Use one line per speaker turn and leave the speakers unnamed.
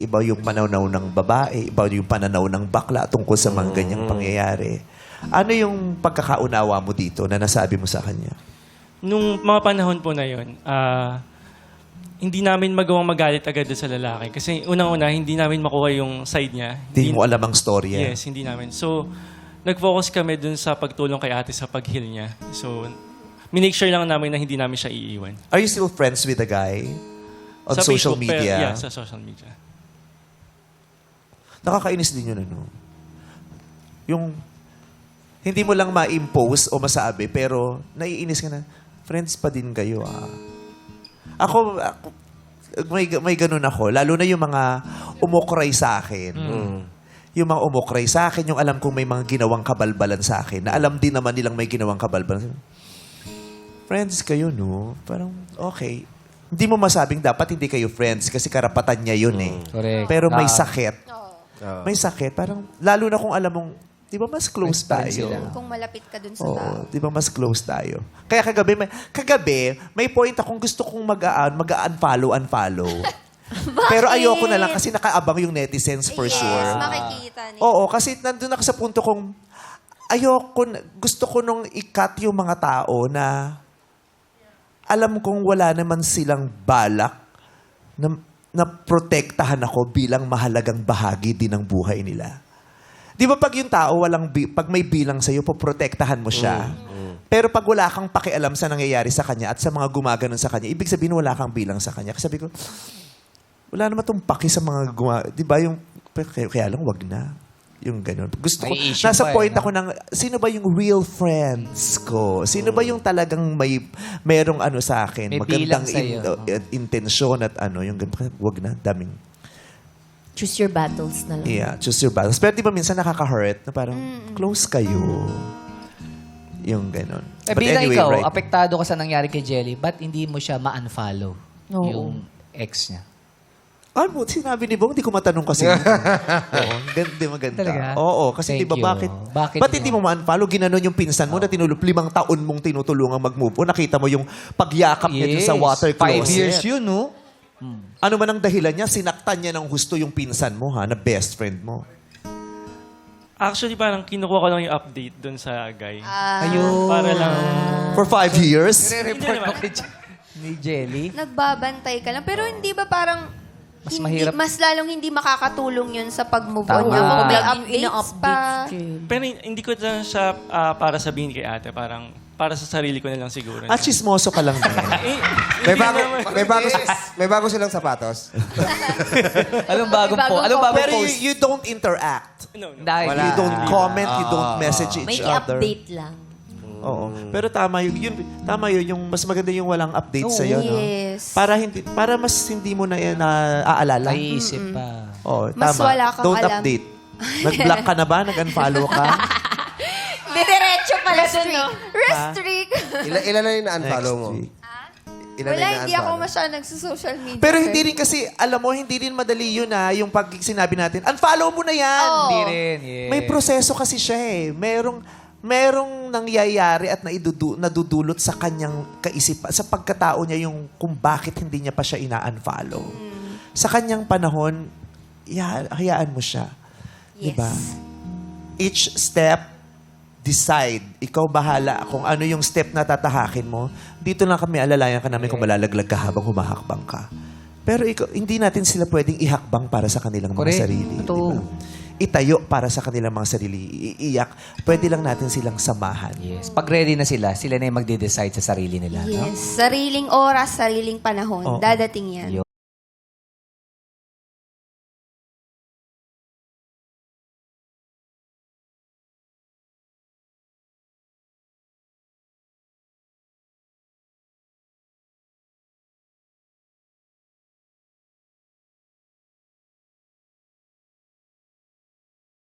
Iba yung pananaw ng babae, iba yung pananaw ng bakla tungkol sa mga ganyang pangyayari. Ano yung pagkakaunawa mo dito na nasabi mo sa kanya?
Nung mga panahon po na yun, hindi namin magawang magalit agad doon sa lalaki. Kasi unang-una, hindi namin makuha yung side niya.
Hindi mo alam ang storya.
Yes, hindi namin. So, nag-focus kami dun sa pagtulong kay ate sa pag-heal niya. So, minake sure lang namin na hindi namin siya iiwan.
Are you still friends with the guy? On
Sa
social
Facebook,
media?
yeah, sa social media.
Nakakainis din yun, ano? Yung, hindi mo lang ma-impose o masabi, pero naiinis ka na, friends pa din kayo, ah. Ako may ganun ako. Lalo na yung mga umukray sa akin. Yung mga umukray sa akin, yung alam kong may mga ginawang kabalbalan sa akin, na alam din naman nilang may ginawang kabalbalan. Friends kayo, no? Parang, okay. Hindi mo masabing dapat hindi kayo friends kasi karapatan niya yun eh.
Correct.
Pero may sakit. May sakit. Parang, lalo na kung alam mong, di ba mas close tayo?
Kung malapit ka dun sa
Oo,
tao.
di ba mas close tayo? Kaya kagabi, may point akong gusto kong mag-unfollow. Pero ayoko na lang kasi nakaabang yung netizens for
Yes,
sure.
makikita nila.
Oo, kasi nandun ako sa punto kong gusto ko nung i-cut yung mga tao na alam kong wala naman silang balak na protektahan ako bilang mahalagang bahagi din ng buhay nila. Di ba pag yung tao, pag may bilang sa'yo, poprotektahan mo siya. Pero pag wala kang pakialam sa nangyayari sa kanya at sa mga gumaganon sa kanya, ibig sabihin wala kang bilang sa kanya. Kasi sabi ko, wala naman itong paki sa mga di ba yung, kaya lang wag na. Yung ganun. Gusto ko,
May issue
nasa
pa
point
no?
ako ng, sino ba yung real friends ko? Sino ba yung talagang merong ano sa akin?
May
Magandang
bilang sa'yo.
intensyon at ano, yung ganun. Wag na, daming.
Choose your battles na lang.
Yeah, choose your battles. Pero di ba minsan nakaka-hurt na parang close kayo. Yung ganun.
Eh,
But
bilang
anyway,
ikaw,
right.
apektado ka sa nangyari kay Jelly, ba't hindi mo siya ma-unfollow?
Oo.
Yung ex niya.
Ano, sinabi ni Bong, hindi ko matanong kasi. Oo, di maganda.
Talaga?
Oo, kasi
Thank
di ba
you.
bakit?
Bakit
Ba't hindi mo ma-unfollow? Ginanon yung pinsan mo na 5 taon mong tinutulungan mag-move on. Nakita mo yung pagyakap niya dun sa water
5
closet.
years yun, no?
Ano man ang dahilan niya, sinaktan niya ng husto yung pinsan mo, ha, na best friend mo.
Actually, parang kinukuha ko lang yung update dun sa guy.
Ayun.
Para lang...
For 5 years?
Nire-report mo kay ni Jelly?
Nagbabantay ka lang. Pero hindi ba parang
Mas mahirap.
mas lalong hindi makakatulong yun sa pag-move
Tama.
on niya kung may
Ina-
updates pa.
Pero hindi ko lang siya para sabihin kay ate. Parang para sa sarili ko na lang siguro.
At chismoso ka lang din.
May bago silang sapatos.
Anong bagong po? Anong bagong
Pero
post?
you don't interact.
No, no.
Dahil
You don't comment, you don't message
May
each other.
i-update lang.
Oo. Pero tama yung mas maganda yung walang update sa no?
Yes.
Para mas hindi mo na yan naaalala.
Naiisip pa.
Oo,
Mas
tama.
wala kang
Don't
alam.
update. Nag-block ka na ba? Nag-unfollow ka?
Diretso pala dun, no? Restrict.
Ilan na yung na-unfollow mo?
Next week.
Ilan na
Wala,
yung
hindi ako
na-unfollow?
masyadong nagsa-social media.
Pero hindi rin kasi, alam mo, hindi rin madali yun yung pag sinabi natin, unfollow mo na yan.
Oo.
Hindi rin, yeah.
May proseso kasi siya eh. Merong nangyayari at nadudulot sa kanyang kaisipan, sa pagkatao niya yung kung bakit hindi niya pa siya ina-unfollow. Sa kanyang panahon, hayaan mo siya.
Yes.
Diba? Each step, decide. Ikaw bahala kung ano yung step na tatahakin mo. Dito lang kami, alalayan ka namin kung malalaglag ka habang humahakbang ka. Pero hindi natin sila pwedeng ihakbang para sa kanilang mga
Correct.
sarili.
Totoo.
Diba? Itayo para sa kanilang mga sarili. Iiyak. Pwede lang natin silang samahan.
Yes. Pag ready na sila na yung magde-decide sa sarili nila. No?
Yes. Sariling oras, sariling panahon.
Oo.
Dadating yan.